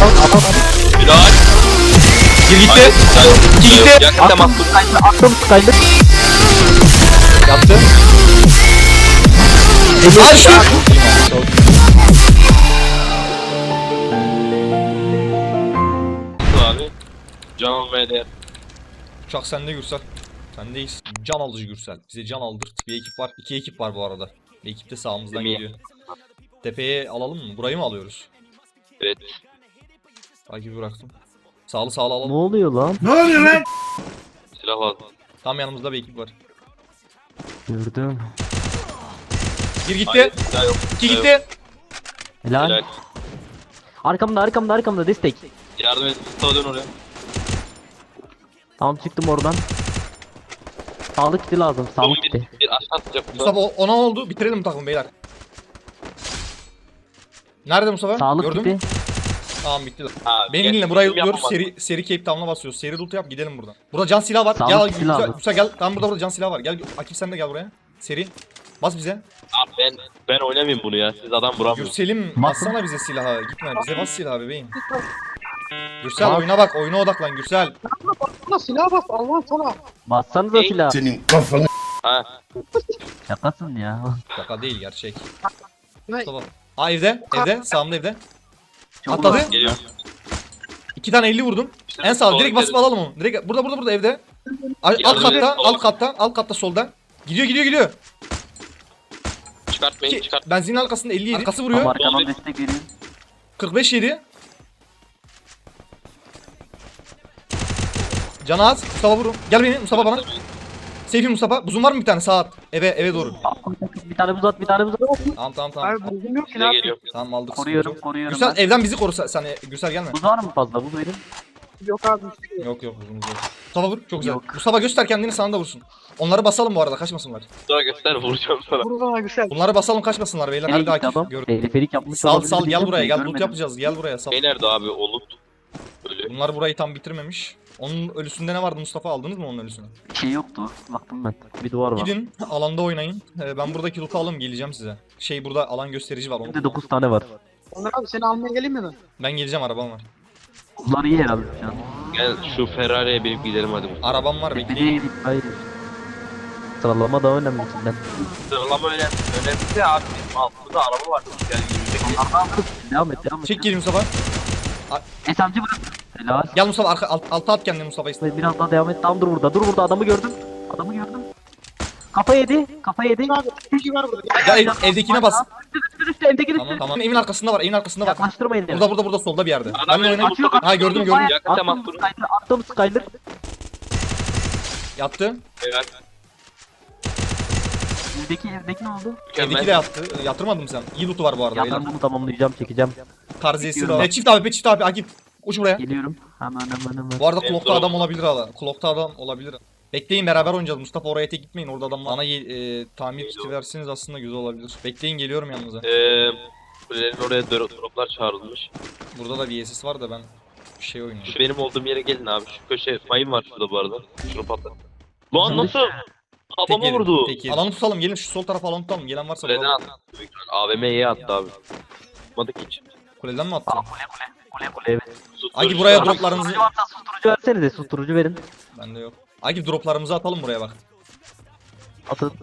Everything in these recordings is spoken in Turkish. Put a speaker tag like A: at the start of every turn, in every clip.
A: Bilal.
B: Bir gitti. İki gitti.
A: Yakın temas dur.
C: Attım Skyler.
B: Yaptı. Ay şu.
A: Abi. Can almaya değer.
B: Uçak sende Gürsel. Sendeyiz. Can alıcı Gürsel. Bize can aldırt. Bir ekip var. 2 ekip var bu arada. Bir ekip de sağımızdan
A: Değil mi?
B: geliyor. Tepeye alalım mı? Burayı mı alıyoruz?
A: Evet.
B: Takibi bıraktım. Sağlı sağlı
C: Ne
B: alalım.
C: oluyor lan?
A: Silah lazım.
B: Tam yanımızda bir ekip var.
C: Gördüm.
B: Bir gitti.
A: Hayır, silah yok.
B: 2
A: Silah yok.
B: gitti.
C: Helal.
A: Helal.
C: Arkamda destek.
A: Yardım et. Mustafa dön oraya.
C: Tamam çıktım oradan. Sağlık kiti lazım. Sağlık
A: Bir,
C: kiti.
A: bir aşağı atacak.
B: Mustafa ona oldu. Bitirelim bu takımı beyler. Nerede Mustafa?
C: Sağlık
B: Gördün
C: kiti.
B: mü? Tamam bitti.
A: Ha,
B: Benim
A: gel.
B: dinle burayı
A: Yapma
B: lootluyoruz.
A: bak.
B: Seri Cape Town'a basıyoruz. Seri loot yap gidelim buradan. Burada can silah var.
C: Sağlık
B: Gel
C: kiti
B: Gürsel,
C: lazım.
B: Gürsel gel. Tamam burada can silah var. Gel Akif sen de gel buraya. Seri. Bas bize.
A: Abi ben oynamayayım bunu ya. Siz adam vuramıyorsunuz.
B: Gürsel'im
C: Bas.
B: bassana bize silahı. Gitme bize bas silahı bebeğim. Gürsel
C: Bas.
B: oyuna bak. Oyuna odaklan Gürsel.
D: Bana silah bas Allah sana.
C: Bassanıza
A: Ey.
C: silah.
A: Ha.
C: Şakasın ya.
B: Şaka değil gerçek.
D: Ne?
B: Mustafa. Aa evde. Evde. Sağımda evde.
C: Çok
B: Atladı.
C: uzak.
A: Geliyor.
B: 2 tane 50 vurdum.
A: İşte
B: En sağ
A: sonra
B: direkt basıp
A: gideriz.
B: alalım onu. Direkt burada evde. Alt
A: Yardım edin.
B: katta, alt katta solda. Gidiyor.
A: Çıkartmayın çıkart.
B: Benzinin arkasında 50 yedi. Arkası vuruyor.
C: Ama arkadan destek veriyor.
B: 45 yedi. Canı az. Mustafa vurun. Gel beni Mustafa bana. Seyfi Mustafa. Buzun var mı bir tane sağa at. Eve doğru.
C: Bir tane buz at.
B: Tamam.
D: Abi buzum yok ki ne
A: Size
D: yapayım?
A: geliyor.
B: Tamam aldık.
C: Koruyorum
B: sıkıntı yok.
C: ben.
B: Gürsel evden bizi koru sen. Gürsel gelme.
C: Buz var mı fazla? Buz verin.
D: Yok abi.
B: Yok buzumuz yok. Mustafa vur. Çok güzel.
C: Yok.
B: Mustafa göster kendini sana da vursun. Onları basalım bu arada kaçmasınlar.
A: Sonra göster vuracağım sana.
D: Vur bana güzel.
B: Bunları basalım kaçmasınlar beyler.
C: Nereye
B: Hadi
C: gitti
B: Akif.
C: adam?
B: Gör.
C: Teleferik yapmış
B: Sal
C: olabilir
B: gel
C: diyeceğim
B: buraya
C: de
B: gel loot
C: görmedim.
B: yapacağız gel buraya sal.
A: Şey nerede abi o loot? Öyle.
B: Bunlar burayı tam bitirmemiş. Onun ölüsünde ne vardı Mustafa aldınız mı onun ölüsünü?
C: Bir şey yoktu. Baktım ben. Bir duvar var.
B: Gidin alanda oynayın. Ben buradaki loot'u alayım geleceğim size. Burada alan gösterici var. Onu
C: Şimdi 9 tane var.
D: Onur abi seni almaya geleyim mi ben?
B: Ben geleceğim arabam var.
C: Buzlar iyi herhalde şu an.
A: Gel şu Ferrari'ye binip gidelim hadi.
B: Arabam var
C: Nereye
B: bekleyin.
C: gidip hayır. Sıralama daha önemli içinden.
A: Sıralama önemli. Önemli de abi bizim altımızda araba var. Gel yürüyecek.
C: Devam et.
B: Çek geri Mustafa.
C: SMG bırak. Helal.
B: Gel Mustafa alta at kendini Mustafa iste.
C: Biraz daha devam et. Tam dur burada. Adamı gördüm. Kafa yedi.
D: Abi bilgi var burada.
B: Ya evdekine bas.
C: Üstü evdeki
B: Tamam. Evin arkasında var. Evin bak.
C: Yaklaştırmayın.
B: Burada solda bir yerde.
A: Adam
B: Benle
A: önünde
B: oyna.
A: Mustafa.
B: Ha gördüm.
A: Yakın temas durun.
C: Attım Skyler.
B: Yattı.
A: Evet.
C: Evdeki ne oldu?
B: Evdeki de
A: Mükemmel.
B: yattı. Yatırmadım sen. İyi loot'u var bu arada.
C: Ya
B: beyler.
C: ben bunu tamamlayacağım, çekeceğim.
B: Tarziyesi
C: Bekliyorum
B: var.
C: bak.
B: Çift abi Akif. Uç buraya.
C: Geliyorum. Hemen.
B: Bu arada
A: En
B: Clock'ta
A: zor.
B: adam olabilir hala. Clock'ta adam olabilir. Bekleyin beraber oynayacağız. Mustafa oraya tek gitmeyin. Orada adam var. Bana tamir kiti verseniz aslında güzel olabilir. Bekleyin geliyorum yanınıza.
A: Kulelerin oraya droplar çağrılmış.
B: Burada da VSS var da ben bir şey oynuyorum.
A: Şu benim olduğum yere gelin abi. Şu köşe mayın var şurada bu arada. Şunu patlat. Lan nasıl? Kafama
B: yedim,
A: vurdu.
B: tek yedim. Alanı tutalım gelin şu sol tarafa alanı tutalım. Gelen varsa
A: Kuleden
B: vuralım.
A: attı. AVM'ye attı abi. Tutmadık hiç.
B: Kuleden mi attı?
C: Kule evet.
B: Agi buraya droplarınızı...
C: Susturucu varsa susturucu versenize, susturucu verin.
B: Bende yok. Agi droplarımızı atalım buraya bak.
C: Atın.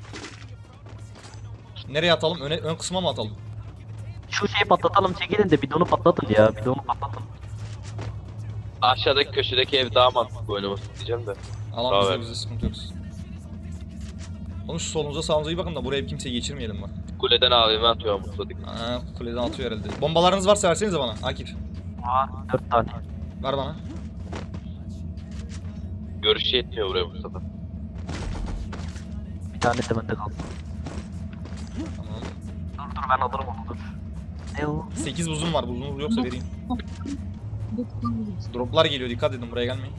B: Nereye atalım? Ön kısma mı atalım?
C: Şu şeyi patlatalım, çekilin de bidonu patlatın ya, bidonu patlatın.
A: Aşağıdaki köşedeki ev daha mantıklı oynaması diyeceğim de.
B: Alan
A: Evet.
B: bize sıkıntı yok. Oğlum şu solunuza sağınıza iyi bakın da buraya kimseyi geçirmeyelim bak.
A: Kuleden AVM atıyor Mustafa.
B: Kuleden atıyor herhalde. Bombalarınız varsa versenize bana Akif.
C: Var, 4 tane.
B: Ver bana.
A: Görüşü yetmiyor buraya Mustafa.
C: Bir tane de bende kaldı.
B: Tamam.
C: Dur ben alırım onu dur. Ne o?
B: 8 buzum var. Buzunuz yoksa vereyim. Droplar geliyor. Dikkat edin buraya gelmeyin.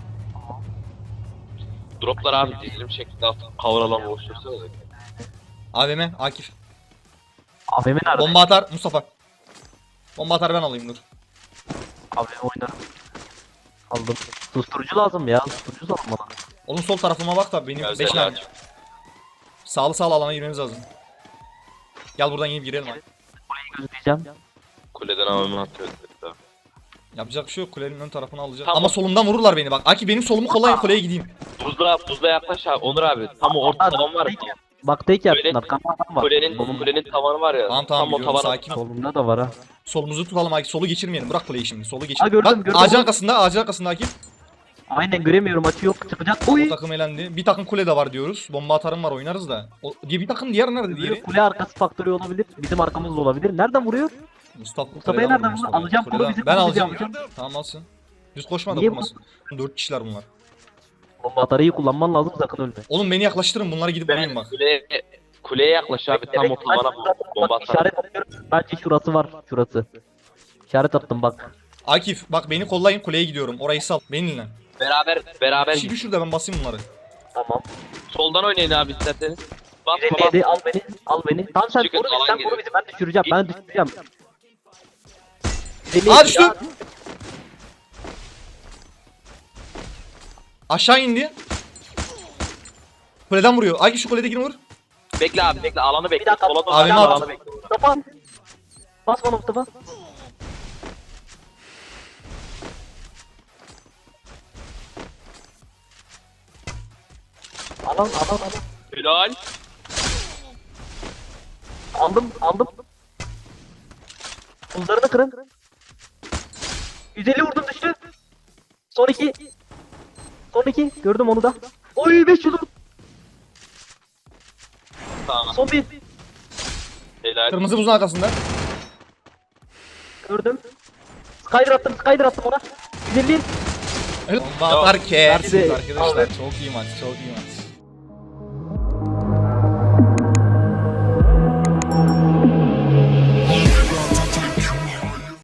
A: Droplar abi dizilim şeklinde atıp kavralan boşluyorsa da.
B: AVM Akif.
C: AVM nerede?
B: Bomba atar Mustafa. Bomba atar ben alayım dur.
C: AVM oynarım. Aldım. Susturucu lazım ya, susturucu lazım bana.
B: Oğlum sol tarafıma bak da benim
A: Gel
B: 5 tane.
A: aç.
B: Sağlı alana girmemiz lazım. Gel buradan inip girelim.
C: Kuleyi gözleyeceğim.
A: Kuleden AVM atıyor.
B: Yapacak bir şey yok. Kulenin ön tarafını alacağım.
A: Tamam.
B: Ama solumdan vururlar beni bak. Aki benim solumu kollayın, kuleye gideyim.
A: Buzla yaklaş abi. Onur abi. Tam o orta tavan var.
C: Bak tek yapsın
A: Kulenin-
C: arkamda adam var.
A: Kulenin tavanı var ya.
B: Tamam
A: tam o
B: biliyorum,
A: tavana.
B: sakin ol.
C: Solumda da var ha.
B: Solumuzu tutalım Aki. Solu geçirmeyelim. Bırak kuleyi şimdi. Solu geçir.
C: Ha, gördüm,
B: Bak,
C: gördüm.
B: ağacın arkasında, ağacın arkasında Aki.
C: Aynen göremiyorum açı yok çıkacak.
B: O
C: Oy.
B: takım elendi. Bir takım kule de var diyoruz. Bomba atarım var, oynarız da. O, diye bir takım diğer nerede diğeri?
C: Kule arkası faktörü olabilir. Bizim arkamız da olabilir. Nereden vuruyor?
B: Mustafa'yı
C: Mustafa'yı
B: nereden
C: nereden vurdu? Alacağım, kolu bizim,
B: Ben
C: kolu
B: alacağım.
C: bizim.
B: Tamam alsın. Düz koşma da
C: Niye
B: vurmasın. 4 kişiler bunlar.
C: Bomba atarıyı kullanman lazım sakın ölme.
B: Oğlum beni yaklaştırın, bunlara gidip vurayım bak.
A: Kuleye yaklaş abi. Tam o tavana bomba
C: Bak
A: atar.
C: işaret atıyorum. Bence şurası var. Şurası. İşaret attım bak.
B: Akif bak beni kollayın, kuleye gidiyorum. Orayı sal. Benimle.
A: Beraber
B: Şimdi şurada ben basayım bunları.
C: Tamam.
A: soldan oynayın abi isterseniz. Bas bas.
C: 157 al beni. Al beni. Tamam sen
A: Çıkın,
C: koru bizi.
A: alan
C: Sen
A: geliyor.
C: koru bizi. Ben düşüreceğim. Ben düşüreceğim. Beni
B: Aa düştü. Aşağı indi. Kuleden vuruyor. Akif şu kuledekini vur.
A: Bekle abi bekle. Alanı
C: Bir
A: bekle.
C: dakika.
A: Sola doğru
B: Abi,
A: alanı
B: at.
A: bekle.
C: Mustafa. Bas bana Mustafa. Alan.
A: Helal.
C: Aldım. Buzlarını kırın. 150 vurdum düştü. Son 2. Gördüm onu da. Oy 5 vurdum.
A: Tamam.
C: Son 1.
A: Helal.
B: Kırmızı buzun arkasında.
C: Gördüm. Skyder attım ona. 150.
B: Bomba atar kersiniz
C: Hadi be.
B: arkadaşlar. Çok iyi maç, çok iyi maç.